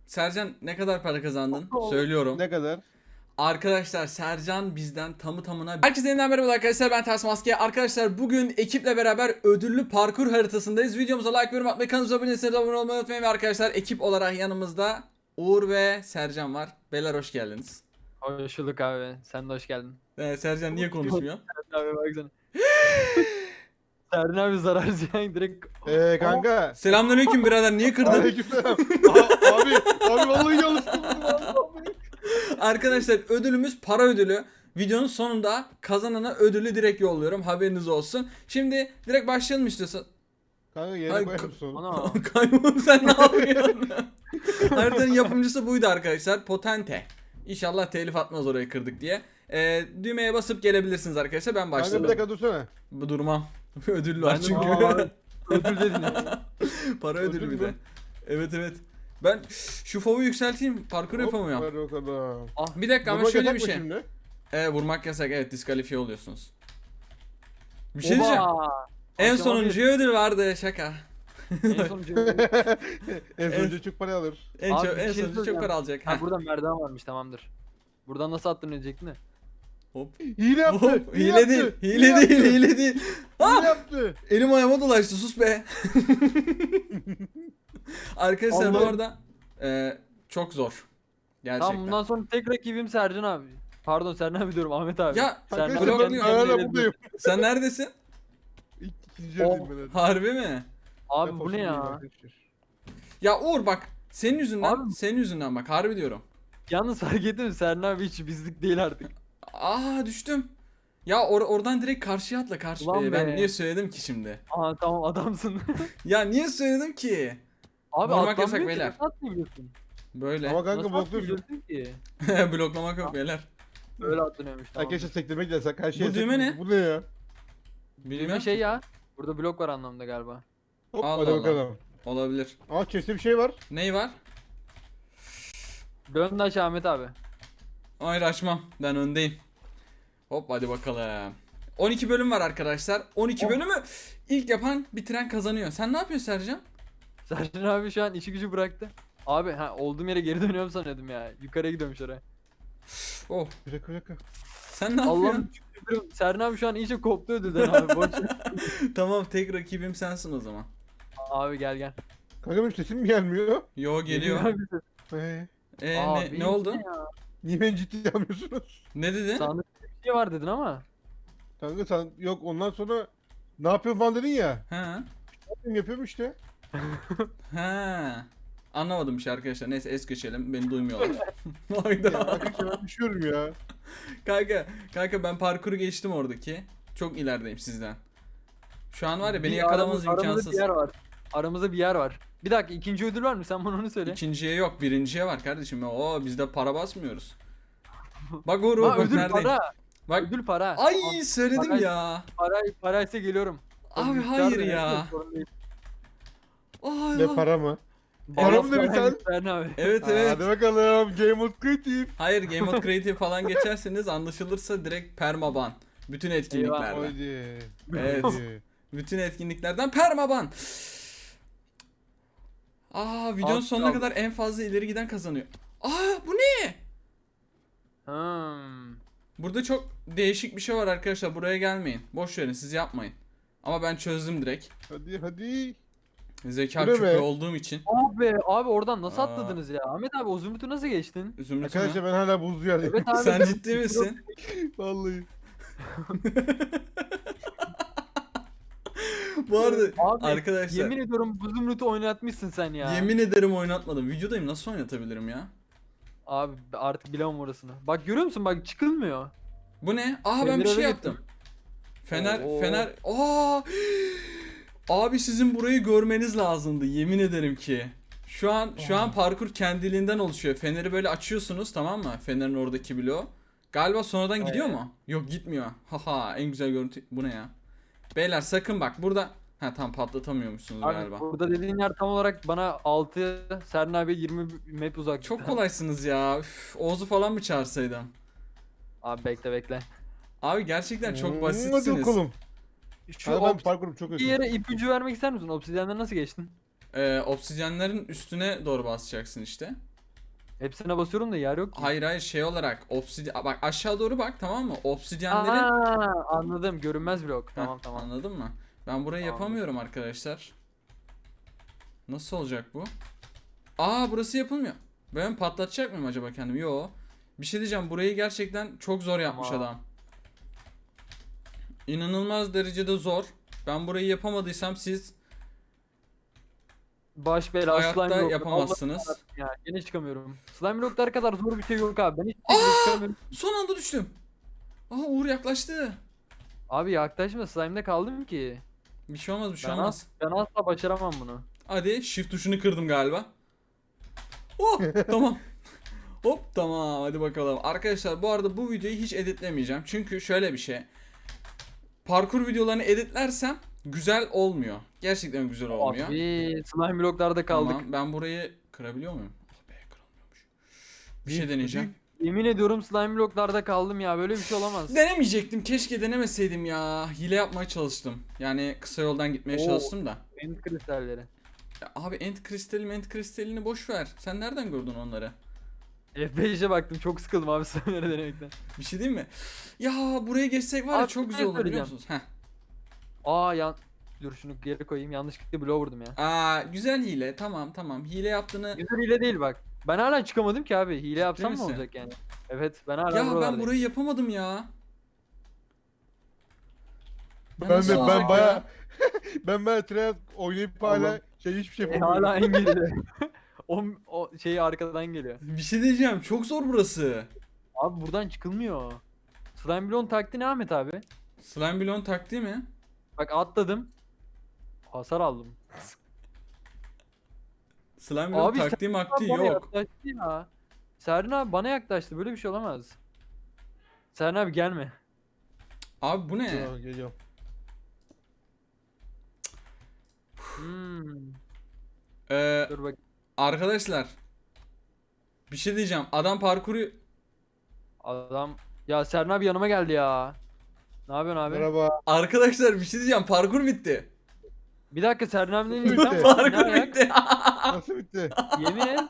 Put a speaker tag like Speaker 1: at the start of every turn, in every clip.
Speaker 1: Sercan ne kadar para kazandın? Söylüyorum.
Speaker 2: Ne kadar?
Speaker 1: Arkadaşlar Sercan bizden tamı tamına... Herkese yeniden merhaba arkadaşlar, ben Ters Maske. Arkadaşlar bugün ekiple beraber ödüllü parkur haritasındayız. Videomuza like, yorum atmayı, kanalımıza abone değilseniz abone olmayı unutmayın. Ve arkadaşlar ekip olarak yanımızda Uğur ve Sercan var. Beyler hoş geldiniz.
Speaker 3: Hoş bulduk abi. Sen de hoş geldin.
Speaker 1: Sercan niye konuşmuyor?
Speaker 3: Serdin abi baksana. Serdin abi zarar ziyan direkt.
Speaker 2: Kanka.
Speaker 1: Selamünaleyküm birader, niye kırdın?
Speaker 2: Aleykümselam. Abi vallahi yanlıştım.
Speaker 1: Arkadaşlar ödülümüz para ödülü. Videonun sonunda kazanana ödülü direkt yolluyorum, haberiniz olsun. Şimdi direkt başlayalım istiyorsan.
Speaker 2: Kanka yere
Speaker 1: Ay,
Speaker 2: koyar mısın onu?
Speaker 3: Ana.
Speaker 1: Kaybolum, sen ne yapıyorsun? Haritanın yapımcısı buydu arkadaşlar. Potente. İnşallah telif atmaz orayı kırdık diye. Düğmeye basıp gelebilirsiniz arkadaşlar. Ben
Speaker 2: Kanka bir
Speaker 1: başladım.
Speaker 2: dakika dursana.
Speaker 1: Bu durmam. Ödül var
Speaker 3: Ben de-
Speaker 1: çünkü.
Speaker 3: Aa, ödül dedin ya.
Speaker 1: Para
Speaker 2: Ödül
Speaker 1: ödülü bir
Speaker 2: mü?
Speaker 1: de. Evet. Ben şu fovu yükselteyim. Parkur yapamıyorum.
Speaker 2: Ver bakalım.
Speaker 1: Bir dakika ama
Speaker 2: Vurmak
Speaker 1: şöyle
Speaker 2: yasak
Speaker 1: bir
Speaker 2: mı
Speaker 1: şey.
Speaker 2: şimdi?
Speaker 1: Vurmak yasak, evet, diskalifiye oluyorsunuz. Bir şey diyeceğim.
Speaker 3: Oba!
Speaker 1: En
Speaker 3: Akşama
Speaker 1: sonuncuya ödül vardı, şaka.
Speaker 3: En sonuncu.
Speaker 2: En sonuncu çok para alır.
Speaker 1: En
Speaker 3: Abi,
Speaker 1: çok
Speaker 3: bir
Speaker 1: en
Speaker 3: şey
Speaker 1: sonuncu çok
Speaker 3: söyleyeceğim.
Speaker 1: para alacak.
Speaker 3: Ha
Speaker 1: Heh.
Speaker 3: burada merdiven varmış, tamamdır. Buradan nasıl attın ölecektin de?
Speaker 1: Hop.
Speaker 2: Hile yaptı.
Speaker 1: Hop. Hile değil. Hile değil.
Speaker 2: Hile yaptı.
Speaker 1: Elim ayağıma dolaştı, sus be. Arkadaşlar bu
Speaker 3: Allah'ım.
Speaker 1: arada çok zor. Gerçekten.
Speaker 3: Tamam, bundan sonra tek rakibim Sercan abi. Pardon Sercan abi diyorum, Ahmet abi.
Speaker 1: Ya,
Speaker 3: Sercan
Speaker 2: Arkadaşlar
Speaker 1: blok-
Speaker 2: ben
Speaker 3: kendi
Speaker 2: hala
Speaker 3: kendine
Speaker 2: buradayım.
Speaker 1: Sen neredesin?
Speaker 2: İkinci yerdeyim ben. hadi.
Speaker 1: Harbi mi?
Speaker 3: Abi
Speaker 2: Ben
Speaker 3: bu ne
Speaker 2: fasulyeyi
Speaker 3: ya?
Speaker 2: arkadaşlar.
Speaker 1: Ya Uğur bak, senin yüzünden,
Speaker 3: Abi-
Speaker 1: senin yüzünden bak, harbi diyorum.
Speaker 3: Yalnız fark ettin mi? Sercan abi hiç bizlik değil artık.
Speaker 1: Düştüm. Ya oradan direkt karşıya atla, karşı.
Speaker 3: Ulan
Speaker 1: Ben
Speaker 3: be.
Speaker 1: niye söyledim ki şimdi?
Speaker 3: Aa tamam, adamsın.
Speaker 1: Ya niye söyledim ki?
Speaker 3: Abi
Speaker 1: Vurmak
Speaker 3: atlanmıyor
Speaker 1: yasak
Speaker 3: ki,
Speaker 1: beyler.
Speaker 3: nasıl atlayabiliyorsun?
Speaker 1: Böyle.
Speaker 2: Ama kanka
Speaker 3: Nasıl
Speaker 2: blokluyorsun.
Speaker 3: atlayabiliyorsun ki?
Speaker 1: Bloklamak yok beyler.
Speaker 3: Öyle atlanıyormuş, tamam.
Speaker 2: Arkadaşlar sektirmek yasak. Her şey
Speaker 1: Bu düğme
Speaker 2: yasak.
Speaker 1: ne?
Speaker 2: Bu ne ya?
Speaker 1: Bilmem.
Speaker 3: Düğme şey ya. Burada blok var anlamında galiba.
Speaker 2: Hop
Speaker 1: Allah
Speaker 2: hadi
Speaker 1: Allah.
Speaker 2: bakalım.
Speaker 1: Olabilir.
Speaker 2: Aa chest'te bir şey var.
Speaker 1: Ney var?
Speaker 3: Dön de aşağı Ahmet abi.
Speaker 1: Hayır, açmam. Ben öndeyim. Hop hadi bakalım. 12 bölüm var arkadaşlar. 12 bölümü ilk yapan bitiren kazanıyor. Sen ne yapıyorsun Sercan?
Speaker 3: Sercan abi şu an işi gücü bıraktı. Abi olduğum yere geri dönüyorum sanıyordum ya. Yukarıya gidiyormuş oraya.
Speaker 1: Oh.
Speaker 2: Bir dakika.
Speaker 1: Sen ne yapıyorsun?
Speaker 3: Allah'ım şükür. Sercan abi şu an iyice koptu ödülden abi. Boş ver.
Speaker 1: Tamam, tek rakibim sensin o zaman.
Speaker 3: Abi gel.
Speaker 2: Kanka benim sesim mi gelmiyor?
Speaker 1: Yo, geliyor.
Speaker 3: Abi,
Speaker 1: Ne oldu?
Speaker 3: ya?
Speaker 2: Niye beni ciddiye almıyorsunuz?
Speaker 1: Ne dedin?
Speaker 3: Sandıkta bir şey var dedin ama.
Speaker 2: Kanka sen yok ondan sonra ne yapıyorsun falan dedin ya.
Speaker 1: Ha.
Speaker 2: Yapıyorum işte.
Speaker 1: Ha. Anlamadım bir şey arkadaşlar. Neyse es geçelim. Beni duymuyorlar.
Speaker 2: Ya
Speaker 1: Hayda.
Speaker 2: arkadaşlar ben düşüyorum ya.
Speaker 1: Kanka ben parkuru geçtim oradaki. Çok ilerideyim sizden. Şu an var ya, beni
Speaker 3: Bir
Speaker 1: yakalamanız
Speaker 3: aramızda
Speaker 1: imkansız.
Speaker 3: bir yer var. Aramızda bir yer var. Bir dakika, ikinci ödül var mı? Sen bana onu söyle.
Speaker 1: İkinciye yok, birinciye var kardeşim. Bizde para basmıyoruz. Bak Uğur,
Speaker 3: Ha,
Speaker 1: bak
Speaker 3: ödül
Speaker 1: neredeyim.
Speaker 3: para.
Speaker 1: Bak.
Speaker 3: Ödül para.
Speaker 1: Ay,
Speaker 3: Tamam.
Speaker 1: söyledim
Speaker 3: Para-
Speaker 1: ya.
Speaker 3: Paraysa geliyorum.
Speaker 1: Abi
Speaker 3: Miktar
Speaker 1: hayır
Speaker 3: da
Speaker 1: ya.
Speaker 3: neyse, sorun değil.
Speaker 1: Ay,
Speaker 2: Ne para mı?
Speaker 3: Bana
Speaker 2: Para mı dedin
Speaker 3: para
Speaker 2: sen?
Speaker 3: Sercan abi.
Speaker 1: Evet.
Speaker 2: Hadi bakalım Game of Creative.
Speaker 1: Hayır, Game Mode Creative falan geçerseniz anlaşılırsa direkt permaban. Bütün etkinliklerden.
Speaker 2: Haydi.
Speaker 1: Evet.
Speaker 2: Haydi.
Speaker 1: Bütün etkinliklerden permaban. Videonun
Speaker 3: Az
Speaker 1: sonuna
Speaker 3: kaldı.
Speaker 1: kadar en fazla ileri giden kazanıyor. Bu ne?
Speaker 3: Hmm.
Speaker 1: Burada çok değişik bir şey var arkadaşlar. Buraya gelmeyin. Boş verin, siz yapmayın. Ama ben çözdüm direkt.
Speaker 2: Hadi.
Speaker 1: Zeka
Speaker 2: Bu ne
Speaker 1: küpü
Speaker 2: be?
Speaker 1: olduğum için.
Speaker 3: Abi oradan nasıl
Speaker 1: Aa.
Speaker 3: atladınız ya? Ahmet abi o zümrütü nasıl geçtin?
Speaker 1: Zümrüt'ü
Speaker 2: Arkadaşlar
Speaker 1: mü?
Speaker 2: ben hala buzlu yerdeyim.
Speaker 3: Evet abi.
Speaker 1: Sen ciddi misin?
Speaker 2: Vallahi.
Speaker 1: Bu arada
Speaker 3: Abi,
Speaker 1: arkadaşlar
Speaker 3: Yemin ediyorum bu zümrütü oynatmışsın sen ya.
Speaker 1: yemin ederim oynatmadım. Videodayım, nasıl oynatabilirim ya?
Speaker 3: Abi artık bilemem orasını. Bak görüyor musun, bak çıkılmıyor.
Speaker 1: Bu ne? Ben bir
Speaker 3: Fener'e
Speaker 1: şey
Speaker 3: gittim.
Speaker 1: yaptım. Fener.
Speaker 3: Oo.
Speaker 1: Abi sizin burayı görmeniz lazımdı, yemin ederim ki. Şu an parkur kendiliğinden oluşuyor. Feneri böyle açıyorsunuz, tamam mı? Fenerin oradaki bloğu. Galiba sonradan gidiyor mu? Yok, gitmiyor. Haha, en güzel görüntü bu ne ya? Beyler sakın bak burada. Tam patlatamıyormuşsunuz
Speaker 3: Abi
Speaker 1: galiba.
Speaker 3: burada dediğin yer tam olarak bana 6, Serna abi 20 map uzak.
Speaker 1: Çok kolaysınız ya. Oğuz'u falan mı çağırsaydım?
Speaker 3: Abi bekle.
Speaker 1: Abi gerçekten çok
Speaker 2: Hadi
Speaker 1: basitsiniz.
Speaker 2: bakalım.
Speaker 3: Şu
Speaker 2: Hadi ben parkurum çok
Speaker 3: bir
Speaker 2: kötü.
Speaker 3: yere ipucu vermek ister misin? Obsidyen'den nasıl geçtin?
Speaker 1: Obsidyenlerin üstüne doğru basacaksın işte.
Speaker 3: Hepsine basıyorum da yer yok ki.
Speaker 1: Hayır hayır, şey olarak obsidyen, bak aşağı doğru bak, tamam mı? Obsidyenlerin
Speaker 3: Aa, anladım. Görünmez blok.
Speaker 1: Heh,
Speaker 3: Tamam tamam.
Speaker 1: anladın mı? Ben burayı
Speaker 3: Tamamdır.
Speaker 1: yapamıyorum arkadaşlar. Nasıl olacak bu? Aa, burası yapılmıyor. Ben patlatacak mıyım acaba kendimi? Yo. Bir şey diyeceğim, burayı gerçekten çok zor yapmış
Speaker 3: Tamam.
Speaker 1: adam. İnanılmaz derecede zor. Ben burayı yapamadıysam siz
Speaker 3: Baş belası slime
Speaker 1: hayatta
Speaker 3: blokları.
Speaker 1: yapamazsınız.
Speaker 3: Allah ya yine çıkamıyorum. Slime bloklar kadar zor bir şey yok abi. Ben hiç şekilde çıkamıyorum.
Speaker 1: Son anda düştüm. Aa, Uğur yaklaştı.
Speaker 3: Abi yaklaşma, slime'de kaldım ki.
Speaker 1: Bir şey olmaz, bir şey
Speaker 3: Ben,
Speaker 1: olmaz.
Speaker 3: ben asla başaramam bunu.
Speaker 1: Hadi, shift tuşunu kırdım galiba. Oh, tamam. Hop, tamam, hadi bakalım. Arkadaşlar bu arada bu videoyu hiç editlemeyeceğim. Çünkü şöyle bir şey. Parkur videolarını editlersem güzel olmuyor. Gerçekten güzel olmuyor.
Speaker 3: Abi slime bloklarda kaldık.
Speaker 1: Tamam, ben burayı kırabiliyor muyum? Ah be, kırılmıyormuş. Bir şey deneyeceğim.
Speaker 3: Yemin ediyorum slime bloklarda kaldım ya, böyle bir şey olamaz.
Speaker 1: Denemeyecektim. Keşke denemeseydim ya. Hile yapmaya çalıştım. Yani kısa yoldan gitmeye
Speaker 3: Oo.
Speaker 1: çalıştım da.
Speaker 3: End kristalleri.
Speaker 1: Ya abi, end kristalini boş ver. Sen nereden gördün onları?
Speaker 3: F5'e baktım, çok sıkıldım abi slime'leri denemekten.
Speaker 1: Bir şey diyeyim mi? Ya buraya geçsek var ya,
Speaker 3: Abi,
Speaker 1: çok
Speaker 3: bir
Speaker 1: güzel
Speaker 3: şey
Speaker 1: olur, biliyor
Speaker 3: söyleyeceğim.
Speaker 1: musunuz? Heh.
Speaker 3: Dur şunu geri koyayım, yanlışlıkla bloğa vurdum ya.
Speaker 1: Aa, güzel hile. Tamam tamam. Hile yaptığını...
Speaker 3: Güzel hile değil bak. Ben hala çıkamadım ki abi. Hile yapsam ne
Speaker 1: misin?
Speaker 3: olacak yani? Evet, ben hala
Speaker 1: Ya ben
Speaker 3: buralardayım.
Speaker 1: burayı yapamadım ya. Ya
Speaker 2: Ben
Speaker 1: nasıl
Speaker 2: ben,
Speaker 1: olacak
Speaker 2: ben baya
Speaker 1: ya?
Speaker 2: ben baya Treyarch oynayıp hala
Speaker 3: Allah'ım.
Speaker 2: hiçbir şey yapamıyorum.
Speaker 3: Hala en geride. o şeyi arkadan geliyor.
Speaker 1: Bir şey diyeceğim. Çok zor burası.
Speaker 3: Abi buradan çıkılmıyor. Slime bloğun taktiği ne Ahmet abi?
Speaker 1: Slime Blown taktiği mi?
Speaker 3: Bak atladım. Hasar aldım.
Speaker 1: Slime Blown
Speaker 3: Abi
Speaker 1: taktiği
Speaker 3: Serna
Speaker 1: maktiği
Speaker 3: bana
Speaker 1: yok.
Speaker 3: yaklaştı ya. Serna abi bana yaklaştı. Böyle bir şey olamaz. Serna abi gelme.
Speaker 1: Abi bu ne?
Speaker 2: Dur, geliyorum.
Speaker 3: Hmm.
Speaker 1: Ee,
Speaker 3: Dur bak.
Speaker 1: arkadaşlar. Bir şey diyeceğim. Adam parkuru...
Speaker 3: Adam. Ya Serna abi yanıma geldi ya. Ne yapıyorsun abi?
Speaker 2: Merhaba.
Speaker 1: Arkadaşlar bir şey diyeceğim. Parkur bitti.
Speaker 3: Bir dakika Serna abiden
Speaker 2: Bitti.
Speaker 3: insan var. Ne
Speaker 1: Parkur
Speaker 3: ayak?
Speaker 1: bitti.
Speaker 2: Nasıl bitti?
Speaker 3: Yemin et.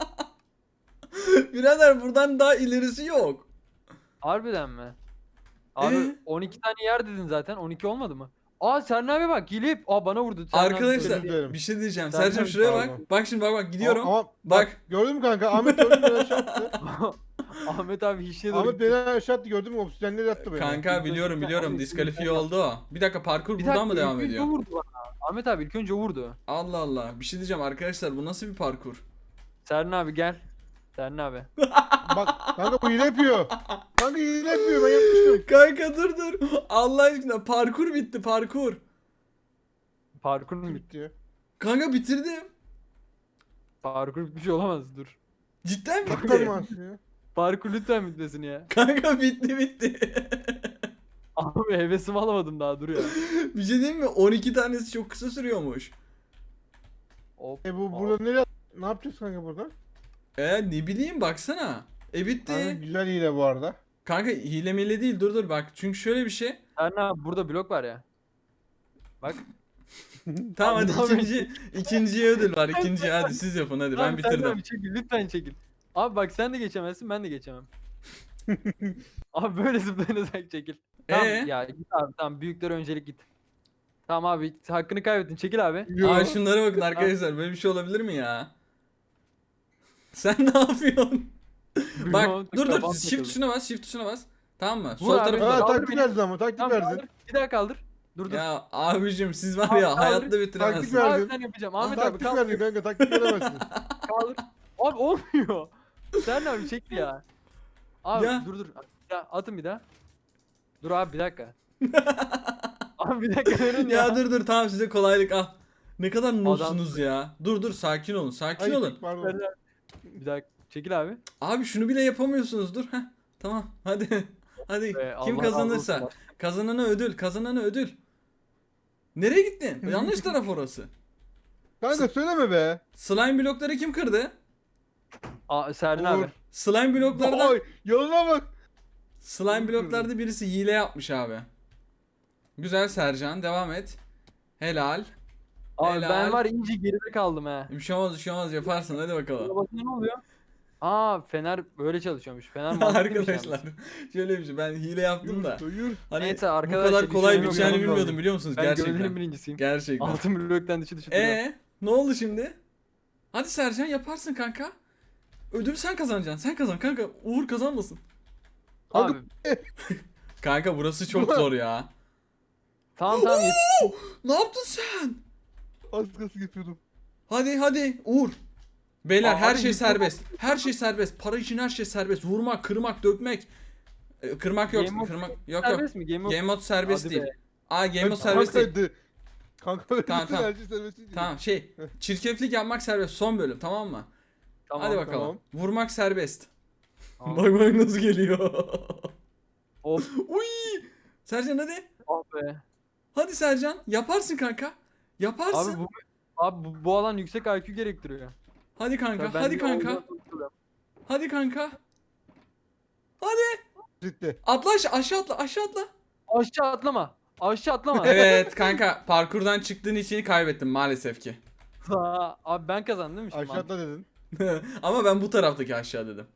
Speaker 1: Birader, buradan daha ilerisi yok.
Speaker 3: Harbiden mi? Abi
Speaker 1: Ee?
Speaker 3: 12 tane yer dedin zaten. 12 olmadı mı? Aa Serna abi bak gelip bana vurdu. Serna abi
Speaker 1: Arkadaşlar
Speaker 3: söyledi.
Speaker 2: söyledi.
Speaker 1: bir şey diyeceğim.
Speaker 3: Sen-
Speaker 1: Sercan şuraya bak.
Speaker 2: Pardon.
Speaker 1: Bak şimdi, bak gidiyorum.
Speaker 2: Ama
Speaker 1: Bak.
Speaker 2: gördün mü kanka? Ahmet gördün mü? Beni aşağı attı.
Speaker 3: Ahmet abi hiçliğe doğru
Speaker 2: Ahmet
Speaker 3: gitti.
Speaker 2: beni aşağı attı, gördün mü? Obsidyenleri attı beni.
Speaker 1: Kanka biliyorum
Speaker 3: Abi,
Speaker 1: diskalifiye
Speaker 3: abi.
Speaker 1: oldu o. Bir dakika, parkur
Speaker 3: Bir
Speaker 1: buradan mı
Speaker 3: dakika,
Speaker 1: devam
Speaker 3: ilk önce
Speaker 1: ediyor?
Speaker 3: vurdu bana. Ahmet abi ilk önce vurdu.
Speaker 1: Allah Allah. Bir şey diyeceğim arkadaşlar, bu nasıl bir parkur?
Speaker 3: Serna abi gel. Serna abi.
Speaker 2: Bak kanka bu hile yapıyor. Kanka hile yapıyor, ben yapmıştım.
Speaker 1: Kanka dur. Allah aşkına, parkur bitti, parkur.
Speaker 3: Parkur mu bitti?
Speaker 2: Bitti ya.
Speaker 1: Kanka bitirdim.
Speaker 3: Parkur bitmiş olamaz dur.
Speaker 1: Cidden
Speaker 2: Bakar
Speaker 1: bitti.
Speaker 2: mı aslında?
Speaker 3: Parkur lütfen bitmesin ya.
Speaker 1: Kanka bitti.
Speaker 3: Abi hevesimi alamadım daha dur ya.
Speaker 1: Bir şey diyeyim mi? 12 tanesi çok kısa sürüyormuş.
Speaker 3: Hop.
Speaker 2: Bu burada nereye? Ne yapacağız kanka burada?
Speaker 1: Ne bileyim, baksana. Bitti.
Speaker 2: Kanka güzel hile bu arada.
Speaker 1: Kanka hile mile değil, dur bak. Çünkü şöyle bir şey.
Speaker 3: Serna abi burada blok var ya. Bak.
Speaker 1: Tamam
Speaker 3: Abi,
Speaker 1: hadi,
Speaker 3: ne
Speaker 1: ikinciye ödül var. İkinciye hadi siz yapın, hadi ben
Speaker 3: Abi, Serna
Speaker 1: bitirdim.
Speaker 3: abi çekil lütfen çekil. Abi bak sen de geçemezsin ben de geçemem. Abi böyle zıplayarak çekil. Tamam ya git abi tamam, büyüklere öncelik git. Tamam abi hakkını kaybettin, çekil abi.
Speaker 2: Yo.
Speaker 1: Aa, şunlara bakın arkadaşlar, böyle bir şey olabilir mi ya? Sen ne yapıyorsun? Bak
Speaker 3: Bilmiyorum,
Speaker 1: dur
Speaker 3: kafam
Speaker 1: shift
Speaker 3: takıldı.
Speaker 1: tuşuna bas, shift tuşuna bas. Tamam mı?
Speaker 3: Vur
Speaker 1: Sol
Speaker 3: abi,
Speaker 1: tarafı
Speaker 3: kaldır
Speaker 2: Ha,
Speaker 1: da.
Speaker 2: taktik
Speaker 3: beni.
Speaker 2: verdin ama, taktik
Speaker 3: Tamam
Speaker 2: verdin.
Speaker 3: kaldır. Bir daha kaldır. Dur.
Speaker 1: Ya abicim, siz var
Speaker 3: Abi,
Speaker 1: ya
Speaker 3: kaldır.
Speaker 1: hayatta
Speaker 2: Taktik
Speaker 1: bitiremezsiniz.
Speaker 2: ver.
Speaker 3: Abi
Speaker 2: verdin.
Speaker 3: sen yapacağım. Ahmet abi
Speaker 2: Taktik
Speaker 3: kaldır.
Speaker 2: verdin kanka, taktik veremezsin.
Speaker 3: Kaldır. Abi olmuyor. Sen abi çekti ya. Abi
Speaker 1: Ya.
Speaker 3: dur. Ya atın bir daha. Dur abi bir dakika. Abi bir dakika verin ya.
Speaker 1: Ya dur tamam, size kolaylık al. Ne kadar noobsunuz ya. Dur sakin olun, sakin
Speaker 2: Ay,
Speaker 1: olun.
Speaker 2: pardon.
Speaker 3: Bir dakika çekil abi.
Speaker 1: Abi şunu bile yapamıyorsunuz, dur. Heh, tamam hadi. Hadi kim
Speaker 3: Allah
Speaker 1: kazanırsa.
Speaker 3: razı olsun.
Speaker 1: Kazanana ödül. Nereye gittin? Yanlış taraf orası.
Speaker 2: Kanka söyleme be.
Speaker 1: Slime blokları kim kırdı?
Speaker 3: Serdin
Speaker 2: Olur.
Speaker 3: abi.
Speaker 1: Slime bloklarda
Speaker 2: Oy, yoluna bak.
Speaker 1: Slime bloklarda birisi hile yapmış abi. Güzel Sercan, devam et. Helal.
Speaker 3: Abi
Speaker 1: Helal.
Speaker 3: ben var ince geride kaldım he.
Speaker 1: Bir şey olmaz yaparsın, hadi bakalım.
Speaker 3: Buna basınca ne oluyor? Aa Fener böyle çalışıyormuş. Fener mantıklıymış
Speaker 1: Arkadaşlar
Speaker 3: yalnız.
Speaker 1: şöyle bir şey, ben hile yaptım da.
Speaker 2: Yürü.
Speaker 1: Hani
Speaker 3: Neyse
Speaker 1: bu
Speaker 3: arkadaşlar,
Speaker 1: kadar
Speaker 3: hiç
Speaker 1: kolay
Speaker 3: önemi yok,
Speaker 1: biteceğini
Speaker 3: yanımda
Speaker 1: bilmiyordum
Speaker 3: olun.
Speaker 1: biliyor musunuz?
Speaker 3: Ben gövdenin
Speaker 1: Gerçekten.
Speaker 3: birincisiyim.
Speaker 1: Gerçekten.
Speaker 3: Altın bloktan dışı duruyor.
Speaker 1: Ne oldu şimdi? Hadi Sercan yaparsın kanka. Ödülü sen kazanacaksın. Sen kazan kanka. Uğur kazanmasın.
Speaker 3: Abi
Speaker 1: Kanka burası çok zor ya.
Speaker 3: tamam yetiş.
Speaker 1: Ne yaptın sen?
Speaker 2: Az kalsın yapıyordum.
Speaker 1: Hadi Uğur. Beyler
Speaker 3: Aa,
Speaker 1: her
Speaker 3: hadi
Speaker 1: şey
Speaker 3: git.
Speaker 1: serbest. Her şey serbest. Para için her şey serbest. Vurmak, kırmak, dökmek. Kırmak yok.
Speaker 3: Game of
Speaker 1: Kırmak yok.
Speaker 3: Serbest mi? Game of...
Speaker 1: Game mode serbest
Speaker 3: Hadi
Speaker 1: değil.
Speaker 3: be.
Speaker 1: Game mode serbest değil.
Speaker 2: Kankaydı. Kanka
Speaker 1: Tamam, tamam.
Speaker 2: her şey serbest değil.
Speaker 1: Tamam çirkeflik yapmak serbest. Son bölüm tamam mı?
Speaker 3: Tamam,
Speaker 1: Hadi bakalım.
Speaker 2: tamam.
Speaker 1: Vurmak serbest.
Speaker 3: Tamam.
Speaker 1: Bak nasıl geliyor.
Speaker 3: Of.
Speaker 1: Uy! Sercan hadi.
Speaker 3: Ah be.
Speaker 1: Hadi Sercan. Yaparsın kanka. Yaparsın.
Speaker 3: Abi bu alan yüksek IQ gerektiriyor.
Speaker 1: Hadi kanka.
Speaker 3: Ben
Speaker 1: Hadi
Speaker 3: bir
Speaker 1: kanka.
Speaker 3: oyundan kurtulayım.
Speaker 1: Hadi kanka. Hadi.
Speaker 2: Bitti.
Speaker 1: Atla aşağı atla. Aşağı atla.
Speaker 3: Aşağı atlama. Aşağı atlama.
Speaker 1: Evet kanka. Parkurdan çıktığın için kaybettim maalesef ki.
Speaker 3: Abi ben kazandım değil mi şimdi?
Speaker 2: Aşağıda dedin.
Speaker 1: Ama ben bu taraftaki aşağı dedim.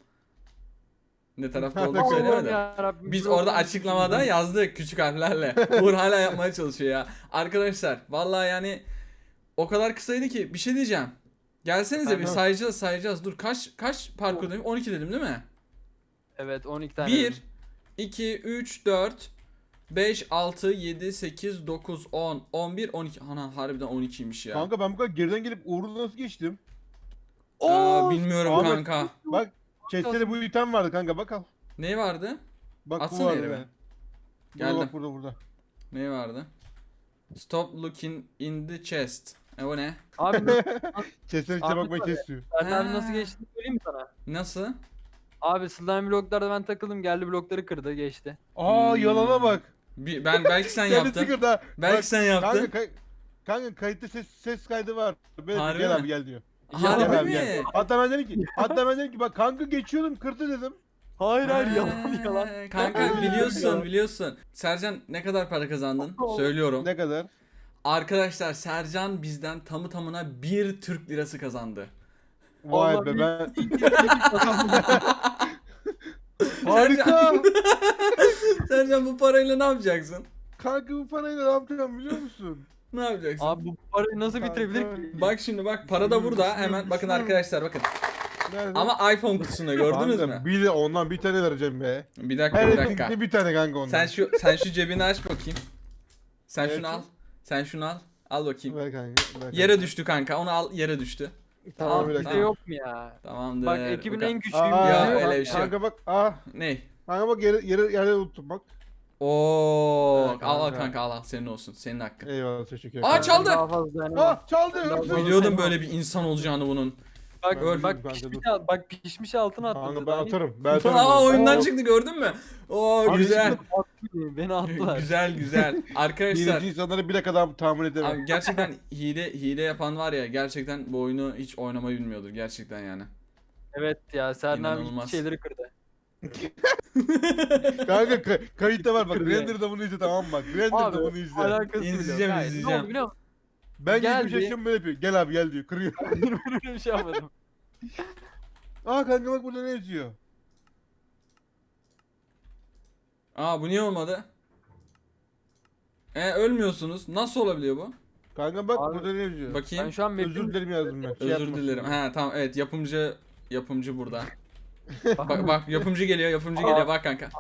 Speaker 1: Ne tarafta olduğunu
Speaker 2: Allah'ım
Speaker 1: söylemedim.
Speaker 3: yarabbim,
Speaker 1: Biz
Speaker 3: bir
Speaker 1: orada
Speaker 3: oyun
Speaker 1: açıklamada
Speaker 3: düşündüm.
Speaker 1: yazdık küçük harflerle. Uğur hala yapmaya çalışıyor ya. Arkadaşlar vallahi yani o kadar kısaydı ki bir şey diyeceğim. Gelsenize bir
Speaker 2: Efendim?
Speaker 1: sayacağız. Dur kaç parkur dedim? 12 dedim değil mi?
Speaker 3: Evet 12 tane.
Speaker 1: 1 2 3 4 5 6 7 8 9 10 11 12. Ana harbiden 12'ymiş ya.
Speaker 2: Kanka ben bu kadar geriden gelip Uğur'u nasıl geçtim?
Speaker 1: Bilmiyorum
Speaker 2: Ahmet-
Speaker 1: kanka.
Speaker 2: Bak chest'te bu item vardı kanka bak al.
Speaker 1: Ne vardı?
Speaker 2: Bak
Speaker 1: Atsana
Speaker 2: bu vardı.
Speaker 1: yere be.
Speaker 2: Burada
Speaker 1: Geldim.
Speaker 2: bak burada.
Speaker 1: Ne vardı? Stop looking in the chest. O ne?
Speaker 3: Abi
Speaker 2: Chest'e
Speaker 3: Ahmet
Speaker 2: bakmayı
Speaker 3: abi.
Speaker 2: kesiyor.
Speaker 3: Serkan abi
Speaker 1: Ha.
Speaker 3: nasıl geçtiğini söyleyeyim mi sana?
Speaker 1: Nasıl?
Speaker 3: Abi slime bloklarda ben takıldım, geldi blokları kırdı geçti.
Speaker 2: Aa yalana bak.
Speaker 1: Ben belki sen
Speaker 2: Kendisi
Speaker 1: yaptın.
Speaker 2: kırdı ha.
Speaker 1: Belki
Speaker 2: Bak,
Speaker 1: sen yaptın.
Speaker 2: Kanka kayıtta ses kaydı var. Böyle
Speaker 1: Harbi
Speaker 2: gel
Speaker 1: mi?
Speaker 2: abi gel diyor.
Speaker 1: Harbi
Speaker 2: Gel abi
Speaker 1: mi?
Speaker 2: gel. Hatta ben dedim ki bak kanka geçiyordum kırdı dedim.
Speaker 3: Hayır
Speaker 1: Ha,
Speaker 3: yalan.
Speaker 1: Kanka biliyorsun. Sercan ne kadar para kazandın? Söylüyorum.
Speaker 2: Ne kadar?
Speaker 1: Arkadaşlar Sercan bizden tamı tamına 1 Türk lirası kazandı.
Speaker 2: Vay
Speaker 3: Allah
Speaker 2: be ben.
Speaker 1: Sercan,
Speaker 2: Harika.
Speaker 1: Sercan bu parayla ne yapacaksın?
Speaker 2: Kanka bu parayla ne yapacağım biliyor musun?
Speaker 1: Ne yapacaksın?
Speaker 3: Abi bu parayı nasıl
Speaker 2: Kanka.
Speaker 3: bitirebilir ki?
Speaker 1: Bak şimdi para da burada. Hemen bakın arkadaşlar bakın.
Speaker 2: Nerede?
Speaker 1: Ama iPhone kutusunda gördünüz
Speaker 2: Kanka,
Speaker 1: mü?
Speaker 2: Bir de ondan bir tane vereceğim be.
Speaker 1: Bir dakika
Speaker 2: Her
Speaker 1: bir dakika.
Speaker 2: etkinlikte bir tane kanka ondan.
Speaker 1: Sen şu cebini aç bakayım. Sen
Speaker 2: Evet.
Speaker 1: şunu al. Sen şunu al. Al bakayım.
Speaker 2: Ver kanka. Ver kanka.
Speaker 1: Yere düştü kanka. Onu al yere düştü.
Speaker 2: Tamam bir
Speaker 3: Bir
Speaker 2: dakika.
Speaker 3: şey yok mu ya?
Speaker 1: Tamamdır.
Speaker 3: Bak ekibin
Speaker 1: Bakalım.
Speaker 3: en güçlüyüm.
Speaker 2: Aa,
Speaker 1: Ya,
Speaker 3: diyor.
Speaker 1: öyle bir şey yok.
Speaker 2: Kanka bak
Speaker 1: Ne?
Speaker 2: kanka bak yere unuttum bak.
Speaker 1: Oo,
Speaker 2: Evet,
Speaker 1: al
Speaker 2: kanka.
Speaker 1: kanka al senin olsun. Senin hakkın.
Speaker 2: Eyvallah teşekkür
Speaker 1: Aa,
Speaker 2: ederim.
Speaker 1: çaldı.
Speaker 3: Daha fazla dayanamam.
Speaker 2: Çaldı.
Speaker 3: Biraz daha-
Speaker 1: Biliyordum böyle bir insan olacağını bunun.
Speaker 3: Bak
Speaker 2: Ben
Speaker 3: bak
Speaker 2: biliyorum
Speaker 3: pişmiş,
Speaker 2: kanka,
Speaker 3: bak pişmiş altına attı.
Speaker 2: Kanka ben atarım. Ben atarım.
Speaker 1: Aa oyundan
Speaker 3: Oo.
Speaker 1: çıktı gördün mü? Oo
Speaker 2: Abi,
Speaker 1: güzel.
Speaker 3: Beni attılar.
Speaker 1: güzel. Arkadaşlar
Speaker 2: Birinci insanları bile kadar tahammül edemem.
Speaker 1: abi gerçekten hile yapan var ya gerçekten bu oyunu hiç oynamayı bilmiyordur gerçekten yani.
Speaker 3: Evet ya Serhan abi
Speaker 1: İnanılmaz.
Speaker 3: hiçbir şeyleri kırdı.
Speaker 2: Kanka kayıtta var bak.
Speaker 3: Kırdı yani.
Speaker 2: Render'da bunu izle tamam mı bak. Render'da bunu izle.
Speaker 3: Alakası
Speaker 1: İzleyeceğim,
Speaker 3: bile yok. Hayır,
Speaker 1: izleyeceğim.
Speaker 3: Ne oldu biliyor musun?
Speaker 2: Ben
Speaker 3: Geldi.
Speaker 2: gelmiş yaşıyorum böyle yapıyor. Gel abi gel diyor. Kırıyor.
Speaker 3: Böyle bir şey yapmadım.
Speaker 2: Aa kanka bak burada ne yazıyor?
Speaker 1: Aa bu niye olmadı? Ölmüyorsunuz. Nasıl olabiliyor bu?
Speaker 2: Kanka bak
Speaker 3: Abi,
Speaker 2: burada ne yazıyor?
Speaker 1: Bakayım.
Speaker 3: Ben şu an
Speaker 2: Özür dilerim yazdım ben. Şey
Speaker 1: Özür
Speaker 2: yapmasın
Speaker 1: dilerim.
Speaker 2: diye.
Speaker 1: Ha tamam evet yapımcı burada. Bak yapımcı geliyor bak kanka.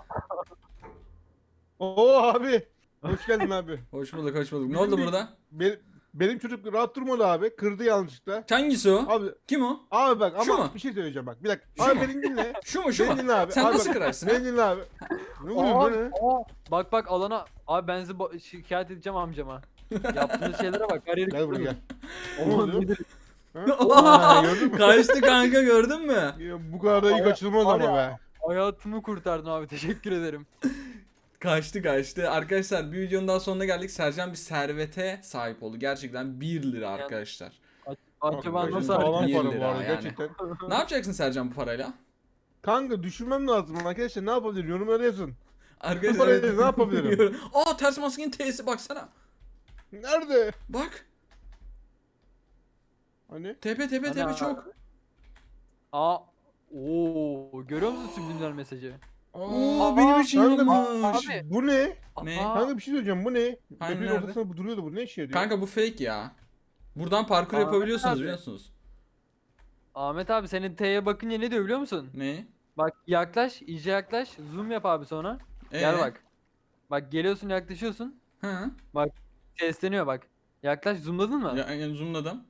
Speaker 2: Oo abi. Hoş geldin abi.
Speaker 1: Hoş bulduk. Ne oldu burada?
Speaker 2: Benim çocuk rahat durmadı abi. Kırdı yanlışlıkla.
Speaker 1: Hangisi o?
Speaker 2: Abi
Speaker 1: Kim o?
Speaker 2: abi bak
Speaker 1: Şu
Speaker 2: ama
Speaker 1: mu?
Speaker 2: bir şey söyleyeceğim bak. Bir dakika.
Speaker 1: Şu
Speaker 2: Abi
Speaker 1: mu?
Speaker 2: beni dinle.
Speaker 1: Şu mu
Speaker 2: Beni dinle abi.
Speaker 1: Sen
Speaker 2: Abi
Speaker 1: nasıl
Speaker 2: bak,
Speaker 1: kırarsın ha?
Speaker 2: Beni dinle abi. Ne oluyor bu ne?
Speaker 3: Bak alana abi ben sizi şikayet edeceğim amcama. Yaptığınız şeylere bak her yeri
Speaker 2: Gel buraya gel.
Speaker 3: kırıyor.
Speaker 2: Ne oluyor? Ha?
Speaker 1: Aa,
Speaker 2: Gördün mü?
Speaker 1: Kaçtı kanka gördün mü?
Speaker 2: Ya, bu kadar da iyi kaçılmaz
Speaker 3: Var
Speaker 2: ama
Speaker 3: ya.
Speaker 2: be.
Speaker 3: Hayatımı kurtardın abi teşekkür ederim.
Speaker 1: Kaçtı. Arkadaşlar bir videonun daha sonuna geldik. Sercan bir servete sahip oldu. Gerçekten 1 lira arkadaşlar.
Speaker 3: Acaba
Speaker 2: Kanka,
Speaker 3: nasıl
Speaker 2: sağlam
Speaker 3: hareket?
Speaker 1: Bir
Speaker 2: para bu
Speaker 1: lira
Speaker 2: arada
Speaker 1: yani.
Speaker 2: gerçekten.
Speaker 1: Ne yapacaksın Sercan bu parayla?
Speaker 2: Kanka düşünmem lazım arkadaşlar ne yapabilirim yorumlara yazın.
Speaker 1: Arkadaşlar
Speaker 2: Bu parayla ne yapabilirim?
Speaker 1: Aa ters maskenin T'si baksana.
Speaker 2: Nerede?
Speaker 1: Bak.
Speaker 2: Hani?
Speaker 1: Tepe
Speaker 3: Ana.
Speaker 1: çok.
Speaker 3: Aa Oo, görüyor musun subliminal mesajı?
Speaker 1: Oo benim için
Speaker 2: Kanka,
Speaker 1: yapmış.
Speaker 3: abi.
Speaker 2: bu ne?
Speaker 1: Ne?
Speaker 3: Aa,
Speaker 2: Kanka bir şey söyleyeceğim, bu ne?
Speaker 1: Hani
Speaker 2: Map'in
Speaker 1: nerede?
Speaker 2: ortasında bu duruyordu, bu ne işe yarıyor?
Speaker 1: Kanka bu fake ya. Buradan parkur
Speaker 3: Aa,
Speaker 1: yapabiliyorsunuz
Speaker 3: abi.
Speaker 1: biliyor musunuz?
Speaker 3: Ahmet abi senin T'ye bakınca ne diyor biliyor musun?
Speaker 1: Ne?
Speaker 3: Bak yaklaş, iyice yaklaş, zoom yap abi sonra. Gel bak. Bak geliyorsun yaklaşıyorsun.
Speaker 1: Hı.
Speaker 3: Sesleniyor bak. Yaklaş zoomladın mı?
Speaker 1: Yani zoomladım.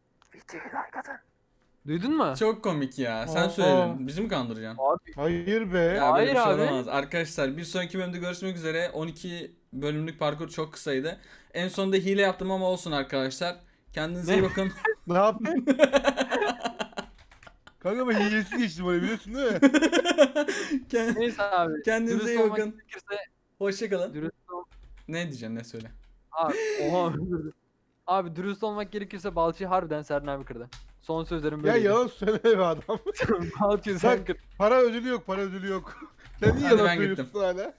Speaker 3: Duydun mu?
Speaker 1: Çok komik ya. Sen
Speaker 2: Aa.
Speaker 1: söyledin. Bizi mi kandıracaksın?
Speaker 3: Abi
Speaker 2: Hayır be.
Speaker 1: Ya böyle bir
Speaker 3: Hayır
Speaker 1: şey
Speaker 3: abi.
Speaker 1: olamaz. Arkadaşlar bir sonraki bölümde görüşmek üzere. 12 bölümlük parkur çok kısaydı. En sonunda hile yaptım ama olsun arkadaşlar. Kendinize iyi
Speaker 3: Ne?
Speaker 1: bakın.
Speaker 2: Ne yaptın? Kanka ben hilesiz geçtim oraya, biliyorsun değil mi?
Speaker 3: neyse abi.
Speaker 1: Kendinize
Speaker 3: dürüst
Speaker 1: iyi
Speaker 3: olmak
Speaker 1: bakın.
Speaker 3: gerekirse
Speaker 1: Hoşçakalın.
Speaker 3: dürüst ol.
Speaker 1: Ne diyeceksin ne söyle.
Speaker 3: Abi, oha. Abi dürüst olmak gerekirse balçıyı harbiden Serna abi kırdı. Son sözlerim
Speaker 2: Ya
Speaker 3: böyle.
Speaker 2: yalan söyleme be adam.
Speaker 3: Balçıyı sen kır.
Speaker 2: Para ödülü yok, para ödülü yok. Sen niye
Speaker 1: Hadi
Speaker 2: yalan
Speaker 1: ben
Speaker 2: söylüyorsun hala?